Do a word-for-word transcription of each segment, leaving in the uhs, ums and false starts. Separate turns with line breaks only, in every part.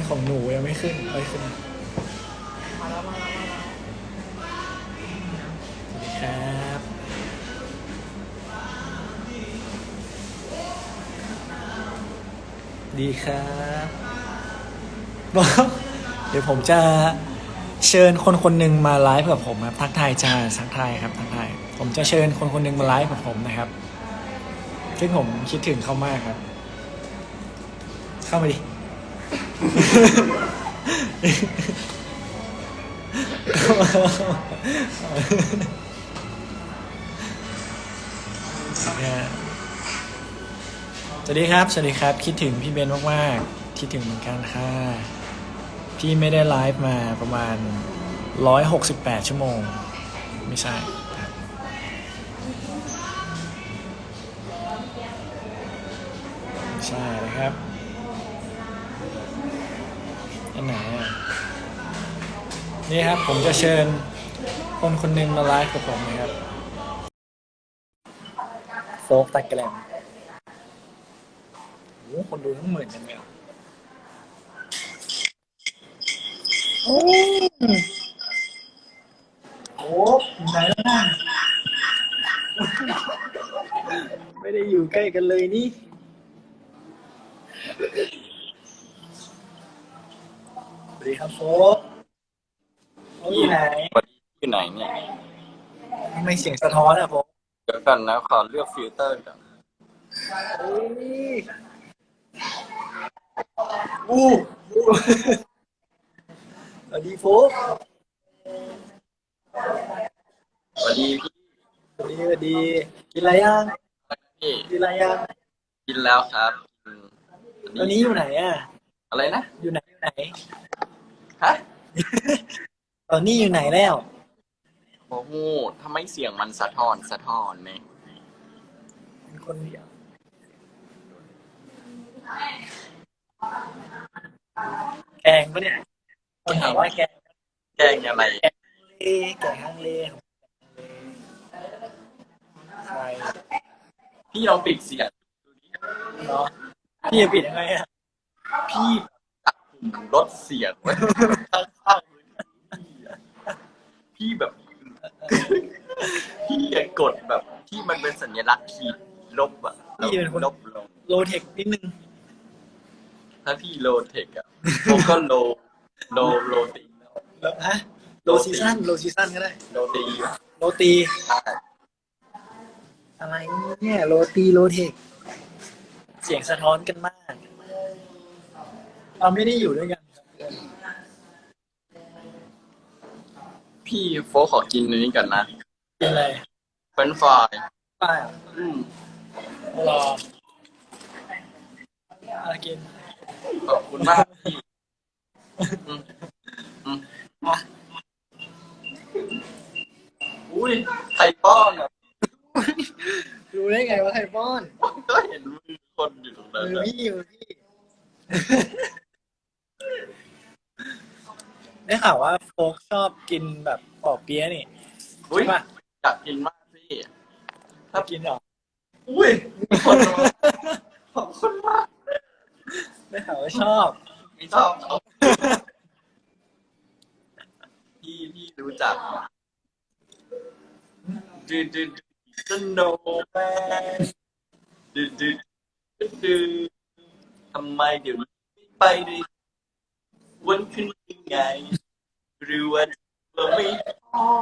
ของหนูยังไม่ขึ้นไม่ขึ้น
มาแล้วมาแล้วมาแล้ว
สวัสดีครับดีครับบอกเดี๋ยวผมจะเชิญคนคนหนึ่งมาไลฟ์กับผมครับทักทายจ้าทักทายครับทักทายผมจะเชิญคนคนหนึ่งมาไลฟ์กับผมนะครับซึ่งผมคิดถึงเขามากครับเข้ามาดิ สวัสดีครับสวัสดีครับคิดถึงพี่เบนมากๆคิดถึงเหมือนกันค่ะพี่ไม่ได้ไลฟ์มาประมาณร้อยหกสิบแปดชั่วโมงไม่ใช่ครับไม่ใช่นะครับอันไหนอ่ะนี่ครับผมจะเชิญคนคนหนึ่งมาไลฟ์กับผมนะครับโฟกตะแกรมโอ้คนดูทั้งหมื่นกันเลยโอ้โหอยู่ไหนแล้วนะไม่ได้อยู่ใกล้กันเลยนี่สวัสดีครับโฟกโฟกอยู่ไหน
อยู่ไหนเนี่ย
ทำไมเสียงสะท้อนอะโฟก
เดี๋ยวกันนะขอเลือกฟิลเตอร์ก่อน
โอ้ยอู้อู้สวัสดีโฟก
สวัสดีพี่
สวัสดีสวัสดีกินอะไรยัง
พี่
กินอะไรยัง
กินแล้วครับ
ตอนนี้อยู่ไหนอะ
อะไรนะ
อยู่ไหนอยู่ไหน
ฮะ
ตอนนี้อยู่ไหนแล้ว
โอ้โหทำไมเสียงมันสะท้อนสะท้อนเนี่ย
เป็นคนเดียวแกงปะเนี่ยคนถามว่าแกง
แกงอะไร
แกงเลแกงฮังเลใช่
พี่ลองปิดเสียง
เนาะพี่จะปิดยังไงอะ
พี่ตัดปุ่มลดเสียงไว้ข้างๆมือถือพี่อะพี่แบบพี่ยังกดแบบที่มันเป็นสัญลักษณ์ขีดลบอะ
พี่เป็นคน
ลบลง
โลเทคนิดนึง
ถ้าพี่โลเทคอะพวกก็โลโลโลตีแล้ว
แล้วฮะโลซีซั่นโลซีซั่นก็ได้
โลตี
โรตีอะไรเนี่ยโรตีโรเทคเสียงสะท้อนกันมากเราไม่ได้อยู่ด้วยกัน
พี่โฟขอกินอันนี้ก่อนนะ
กินอะไร
เฟรนช์ฟราย
ป้า
อืม
รอมากิน
ขอบคุณมากพี่อืมอืม
อ่ะ
อุ้ยไข่ป้อนอ่ะ
รู้ได้ไงว่าใครป้อน
ก็เห็นมือคนอยู่ตรงนั้น
มือพี่มือพี่ได้ข่าวว่าโฟกชอบกินแบบปอเปี๊ยะนี่
อุ้ย
ใช่ปะ
อยากกินมากพี่
ถ้ากินหรอ
อุ้ยมีคนมาขอบคุณมาก
ได้ข่าวว่าชอบ
ไม่ชอบเขาพี่พี่รู้จักดูดูดูสโนว์แมนดูดูดูดูทำไมเดี๋ยวนี้ไปดิวันขึ้นยังไงหรือว่าเราไม่พอ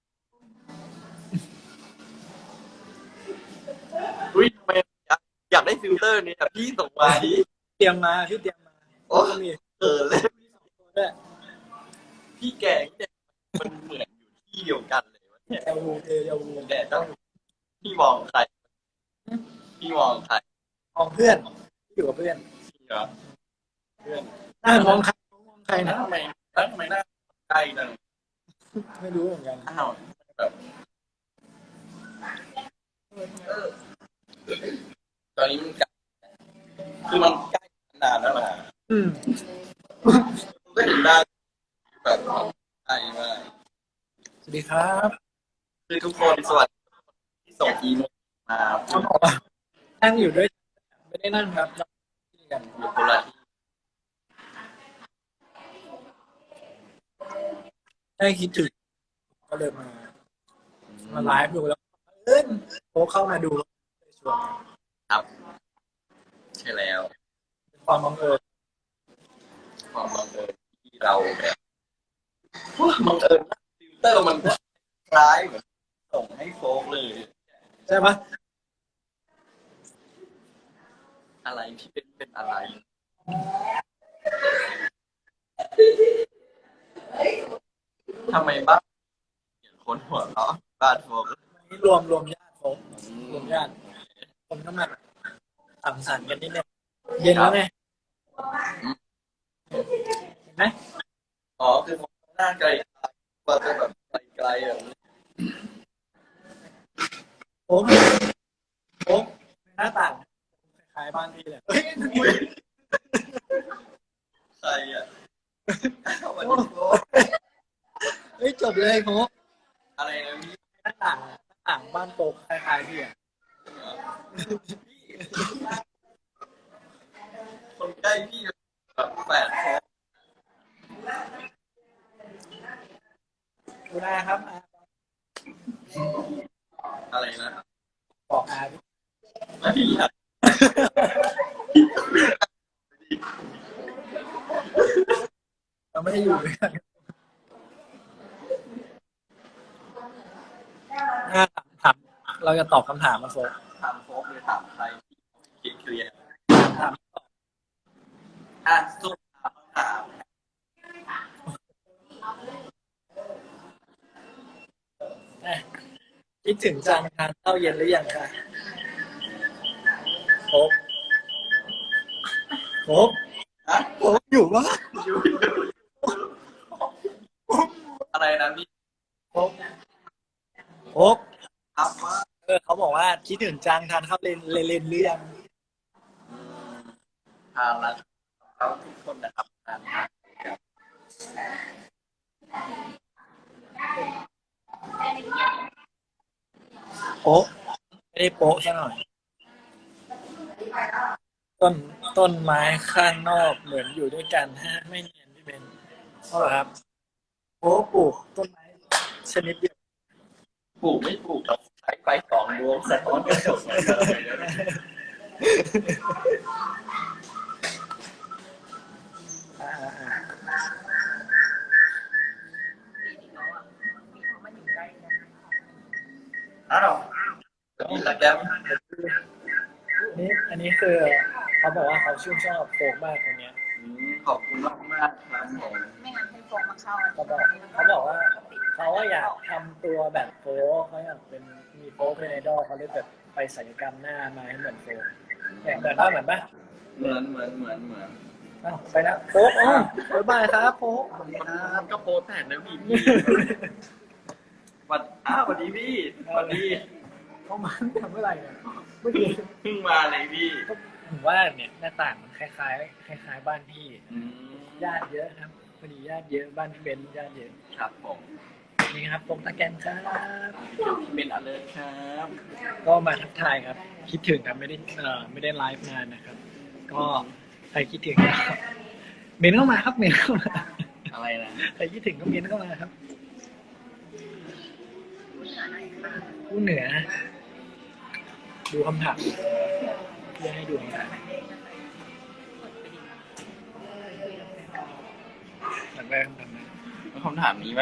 อุ้ยทำไมอยากอยากได้ฟิลเตอร์เนี่ยพี่ส่งมาดิ
เตรียมมาพี่เตรียมมา
โอ้มีเออเลย
ด้วย
พี่แกงเนี่ยมันเหมือนอยู่ที่เดียวกันเลยวะเนี่ย
เอลวูเอลวู
แต่ต้องพี่มองใครพี่มองใคร
มองเพื่อนอยู่กับเพื่อน
เหรอเพื่อน
หน้ามองใครมองใครนะ
ทำไมแล้วทำไมหน้าใกล้จัง
ไม่รู้เหมือนกัน
อ้าวแบบตอนนี้มันใกล้คือมันใกล้นานแล้วนะ
อืม
ก็เห็นได้แบบใกล้มาก
สวัสดีครับ
คือทุกคนสวัสดีที่ส่งอีเมลมา
นั่งอยู่ด้วยไม่ได้นั่งครับ
อยู่คนละที่
ได้คิดถึงก็เลยมามาไลฟ์ดูแล้วเอิ้นโค้ชเข้ามาดูเลยชวน
ครับใช่แล้ว
เป็นความบังเอิญ
ความบังเอิญที่เราแบบว้าบังเอิญฟิลเตอร์มันก็คล้ายเหมือนส่งให้โฟกเลย
ใช่ปะ
อะไรที่เป็นเป็นอะไรทำไมบ้านเห็นคนหัวเราะบ้านโฟก
นี่รวมรวมญาติโค้ชรวมญาติคนก็มาสังสรรค์กันนิดนึงเย็นแล้วไงเห็นไหม
อ๋อคือผมหน้าไกลๆว่าจะแบบไกลๆแบบนี้
โค้ชโค้ชหน้าต่างคล้ายๆบ้านพี่เลยเฮ้ย
ใครอ่ะวันนี้โฟก
เฮ้ยจบเลยโค้ช
อะไรนะพี่
หน้าต่างหน้าต่างบ้านโค้ชคล้ายๆพี่อ่ะ
คนใกล้พี่แบบแฝดโฟก
ดูนะครับ
อะไรนะ
บอกอาพี่
ไม่พี่อยาก
เราไม่ได้อยู่ด้วยกันอ่ะถามเราจะตอบคำถามมาโฟก
ถามโฟกหรือถามใครคิดเคลียร์
ถาม
อ่ะสุดถามถาม
อ่ะคิดถึงจังทานข้าวเย็นหรือยังคะโฟกโฟก
อ่ะ
โฟกอยู่ปะ
อยู่อะไรนะพี่
โฟกโฟก
ถามว่า
เออเขาบอกว่าคิดถึงจังทานข้าวเล่นเล่นหรือยัง
อืมทานแล้วเขาทุกคนนะครับทานทานครับ
โป๊ะไม่ได้โป๊ะซะหน่อยต้นต้นไม้ข้างนอกเหมือนอยู่ด้วยกันฮะไม่เนียนพี่เบนเพราะครับโป๊ะปลูกต้นไม้ชนิดเดียว
ปลูกไม่ปลูกเราใช้ไฟสองดวงสะท้อนกระจกเลยนะ
อ่าอ่า
อ้าวมีตะแกรม
นี่อันนี้คือเขาบอกว่าเขาชื่นชอบโฟกมากคนเนี้ย
อืมขอบคุณมากมากๆครับผม
ไม่งั้นให้โฟมมาเข้า
เขาบอกเขาบอกว่าเขาว่าอยากทำตัวแบบโฟกเขาอยากเป็นมีโฟกเป็นไอดอลเขาเลยแบบไปศัลยกรรมหน้ามาให้เหมือนโฟกเนี่ยเหมือนป่ะเหมือนป่ะ
เหมือนเหมือนเหมือนเหมือน
อ้าวไปนะโฟกอ๋อบ๊ายบายครับโฟกสวัสดีค
มัน
รับ
ก็โพสแต่นะพี่พี่วันอ้าวสวัสดีพี่สวัสดี
เขามาทำเมื่อไหร่เนี่ยเมื่อกี้
เพิ่งมาเลยพี่
ก็ผมว่าเนี่ยหน้าต่างมันคล้ายๆคล้ายๆบ้านพี่
อืม
ญาติเยอะครับพอดีญาติเยอะบ้านพี่เบนญาติเยอะ
ครับผม
นี่ครับผมตะแกนครับ
เป็นอเลิร์ครับ
ก็มาทักทายครับ คิดถึงครับไม่ได้เอ่อไม่ได้ไลฟ์นานนะครับ ก็ใครคิดถึงก็เมนเข้ามาครับเมนเข้ามา
อะไรนะ
ใครคิดถึงก็เมนเข้ามาครับผู้เหนือ ดูคำถามเพื่อให้ดูคำถามหลังแรกคำถามนะ
คำถามนี้ไหม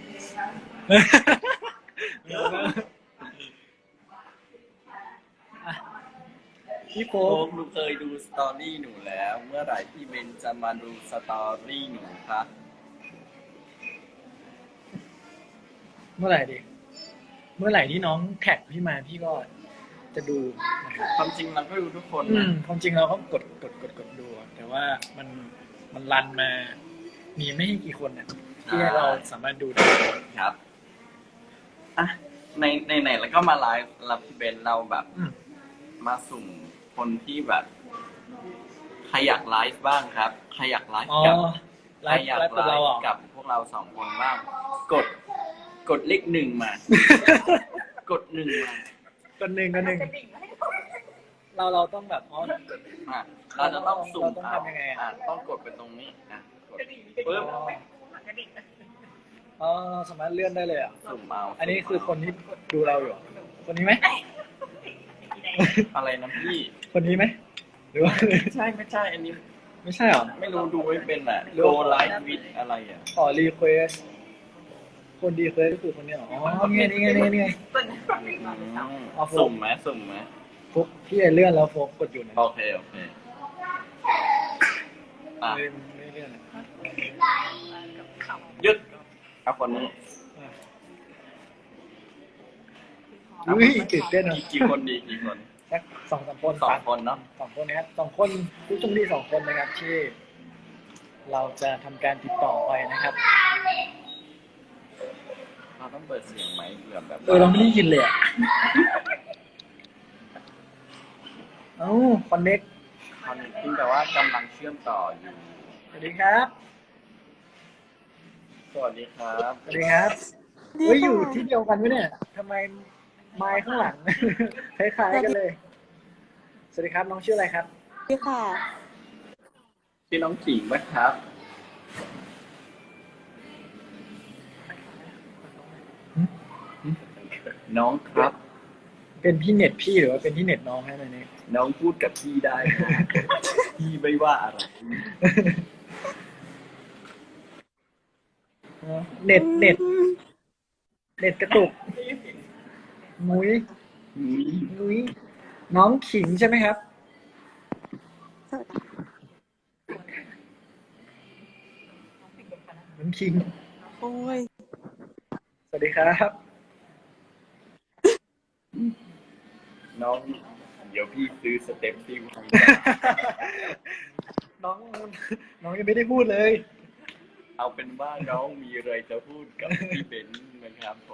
อ่ะพี่โฟ
โฟ
ก
กหนูเคยดูสตอรี่หนูแล้ว เมื่อไหร่พี่เบนจะมาดูสตอรี่หนูคะ
เมื่อไหร่ดิเมื่อไหร่ที่น้องแท็กพี่มาพี่ก็จะดูนะครับ
ความจริงเราก็ดูทุกคน
อื
นะ
มความจริงเราก็กดกดกดกดดูอะแต่ว่ามันมันรันมา มีไม่กี่คนนะที่เราสามารถดูได้
ครับอ่ะในในไหนแล้วก็มาไลฟ์แล้วพี่เบนเราแบบ
อืม
มาสุ่มคนที่แบบใครอยากไลฟ์บ้างครับใครอยากไลฟ์
อ๋อ
กับ
ไล
ใคร
ฟ์
อยาก
ไลฟ์
ไล
กับเรา
ฟ์
อ่ะ
กับพวกเราสองคนบ้าง กด กดเลขหนึ่งมา กดหนึ่งมา
คนหนึ่งคนหนึ่งเราเราต้องแบบอ๋อ
อ่ะเราจะต้องสุ่ม
เราต้อง
เอา
ทำยังไงอ่ะ
อ่ะต้องกดไปตรงนี้นะกดปึ๊บ
อ๋ออ๋อสามารถเลื่อนได้เลยอ่ะ
สุ่มเอา
อันนี้คือคนที่ดูเราอยู่ คนนี้ไหม
อะไรนะพี่
คนนี้ไหมหรือว่า
ไม่ใช่ไม่ใช่ อันนี้
ไม่ใช่เหรอ
ไม่รู้ดูไม่เป็นอ่ะ
รู้
Go Live with อะไรอ่ะ
ขอรีเควสคนดีเควสก็คือคนนี้เหรออ๋อนี่ไงนี่ไงนี่ไงนี่ไง
อืม
เอาโฟม
สุ่มไหมสุ่มไหม
ฟุกพี่เลื่อนแล้วโฟกกดอยู่นะ
โอเค โอเค อ่ะ
ไม่ไม่เลื่อน
หยุดเอาคนนี้
อุ้ยตื่นเต้นอ่ะ
กี่กี่คนดีกี่คน
สักสองสามคน
สองคนเนาะ
สองคนนะครับสองคนผู้โชมดีสองคนนะครับที่ เราจะทำการติดต่อไปนะครับ
เราต้องเปิดเสียงไหมเผื่อแบบ
เออเราไม่ได้ยินเลยอ่ะเอ้าคอนเน็ก
คอนจริงแต่ว่ากำลังเชื่อมต่ออยู่
สวัสดีครับ
สวัสดีครับ
สวัสดีครับเฮ้ยอยู่ที่เดียวกันไหมเนี่ยทำไมไมค์ข้างหลัง คล้ายๆกันเลย สวัสดีครับน้องชื่ออะไรครับ
ดีค่ะ
ชื่อน้องขิงไหมครับ น้องครับ
เป็นพี่เน็ตพี่หรือว่าเป็นที่เน็ตน้องให้ไหมเนี่ย
น้องพูดกับพี่ได้นะ พี่ไม่ว่าอะไร
เน็ตเน็ตเน็ตกระตุกมุ้ย
อุ๊ย
มุ้ยน้องขิงใช่ไหมครับ น้องขิง
โอ้ย
สวัสดีครับ
น้อง เดี๋ยวพี่ซื้อสเต็ปซิ่งให้
น้องน้องยังไม่ได้พูดเลย
เอาเป็นว่าน้องมีอะไรจะพูดกับพี่เบนซ์นะครับผม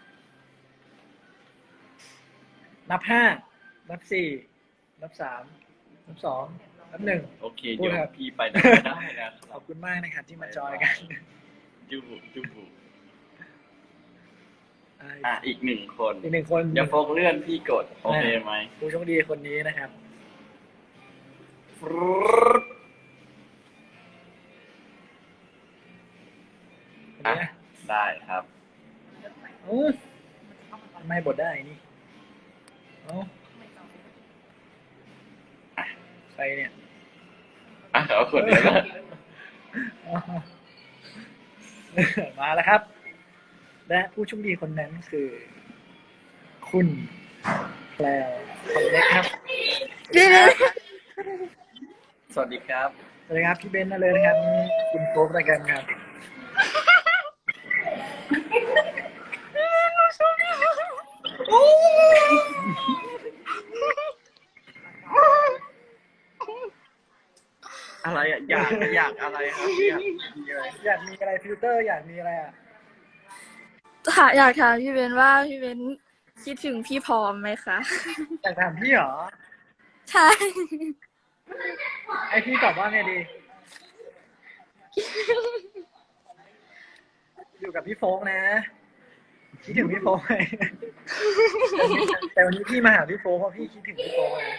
นับห้านับสี่นับสามนับสองนับหนึ่ง
โอเค
พูด
เดี๋ยว
ครับ
พี่ไปได้ได้นะค
ข
รั
อ
บบ
คุณมากนะครับที่มาจอยกัน
จูบุจูบุ
อ่า
อ่ะอีกหนึ่งคน
อีกหนึ่งคน
อย่าโฟกเลื่อนพี่กด โอเคไหม
ผู้โชคดีคนนี้นะครับ คน
อ่ะ
นี้นะ
ได้ครับ
อู้ไม่บดได้นี่เอ้าใครเนี่ย
อ่ะเอาคนนี้นะ
อ๋อมาแล้วครับ และผู้โชคดีคนนั้นคือ คุณแพลวคนเล็กครับ
สวัสดีครับ
สวัสดีครับพี่เบนซ์นะเลยนะครับนี่คุณโฟกรายการครับ
อะไรอ่ะ อยากอยากอะไรครับอยากมีอะไร
อยากมีอะไรฟิลเตอร์อยากมีอะไรอ่ะ
ค่ะอยากถามพี่เบนว่าพี่เบนคิดถึงพี่พร้อมไหมคะ
อยากถามพี่เหรอ
ใช่
ไอพี่ตอบว่าไงดี อยู่กับพี่โฟกนะคิดถึงพี่โฟกไหม แต่วันนี้พี่มาหาพี่โฟกเพราะพี่คิดถึงพี่โฟกนะ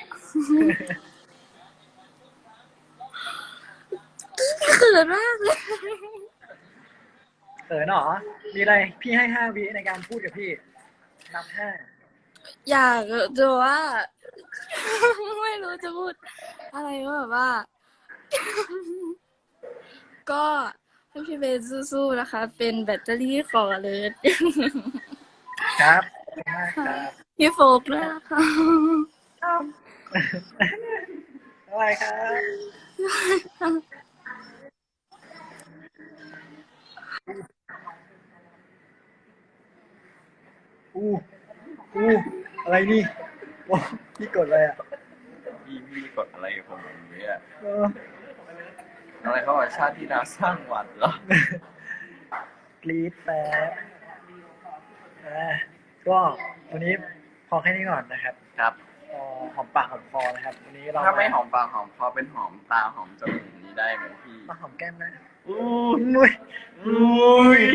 เขินมากเลย
เขินเหรอ มีอะไรพี่ให้ห้าวิในการพูดกับพี่ นับห้า
อยากจะว่า ไม่รู้จะพูด อะไรก็แบบว่า ก็ให้พี่เบนสู้ๆนะคะ เป็นแบตเตอรี่ของอเลิศ
ครับขอบคุณมากครับ
พี่โฟกด้วยนะคะ
อะไรครับอู้อู้อะไรนี่โอ้พี่กดอะไรอ่ะ
พี่พี่กดอะไรกับผมเนี่ย
เออ
อะไรเขาบอกชาติที่นาสร้างหวัดเหรอ
กรีดแป๊บอ่าก็วันนี้พอแค่นี้ก่อนนะครับ
ครับ
พอหอมปากหอมคอนะครับ วันนี้เรา
ถ้าไม่หอมปากหอมคอเป็นหอมตาหอมจมูกนี้ได้ไหมพี่
มาหอมแก้มนะ
อู้
นุ้ย
อุ้ย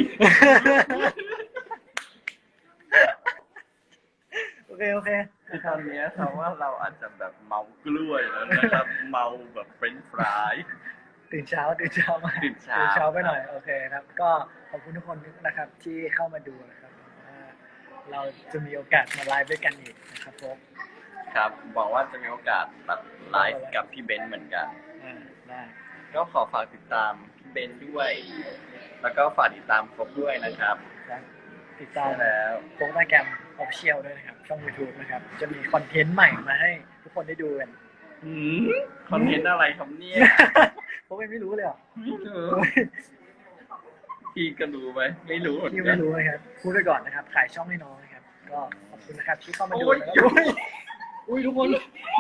โอเคโอเค
คือตอนเนี้ยเขาว่าเราอาจจะแบบเมากล้วยแล้วนะครับ เมาแบบเฟรนช์ฟราย
ตื่นเช้าตื่นเช้ามา
ตื่นเช้า
ตื่นเช้าไปหน่อยโอเคครับ ก็ขอบคุณทุกคนนะครับที่เข้ามาดูนะครับว่าเราจะมีโอกาสมาไลฟ์ด้วยกันอีกนะครับผม
ครับหวังว่าจะมีโอกาสแบบไลฟ์กับพี่เบนซ์เหมือนกัน
อ่าได้
ก็ขอฝากติดตามพี่เบนซ์ด้วย แล้วก็ฝากติดตามฟกด้วยนะครับ
แล้วติดตาม
ใช่แล้ว
โฟกแกรมออฟเชียลด้วยนะครับช่อง YouTube นะครับจะมีคอนเทนต์ใหม่มาให้ทุกคนได้ดูกัน
หืมคอนเทนต์อะไรครับเนี่ย
โฟกไม่รู้เลยเหรอ
ไม่รู้พี่ก็รู้ไหมไม่รู้เหมือน
พี่
กั
ไม่
น
รู้นะครับพูดไปก่อนนะครับขายช่องให้น้องนะครับก็ขอบคุณนะครับที่เข้ามาดู
โอ้ย
นะครับอุ้ยอุ้ยทุกคน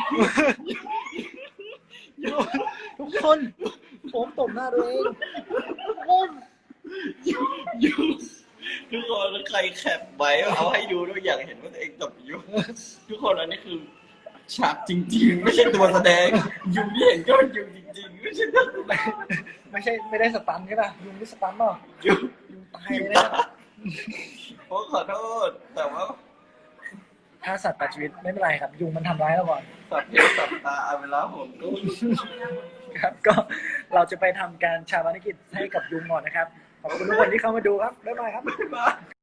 ทุกคนผมตบหน้าตัวเองทุกคน
อยู่ทุกคนใครแคปไว้เอาให้ดูด้วยอยากเห็นว่าตัวเองตบอยู่ทุกคนอันนี้คือฉากจริงๆ ไม่ใช่ตัวแสดงยุงที่เห็นก็เป็นยุงจริงๆไม่ใช่ตัวแสดง
ไม่ใช่ไม่ได้สตันใช่ป่ะยุงไม่สตันเปล่ะ
ยุง
ยุงตายเลยนะ
โอ้ขอโทษแต่ว่า
ถ้าสัตว์ตัดชีวิตไม่เป็นไรครับ ยุงมันทำร้ายเราก่อน
สับเพศสับตาเอาเวลาผมก็
ครับ ก็เราจะไปทำการชาปนกิจให้กับยุงก่อนนะครับขอบคุณทุกคนที่เข้ามาดูครับบ๊ายบายครับ
ไม่มา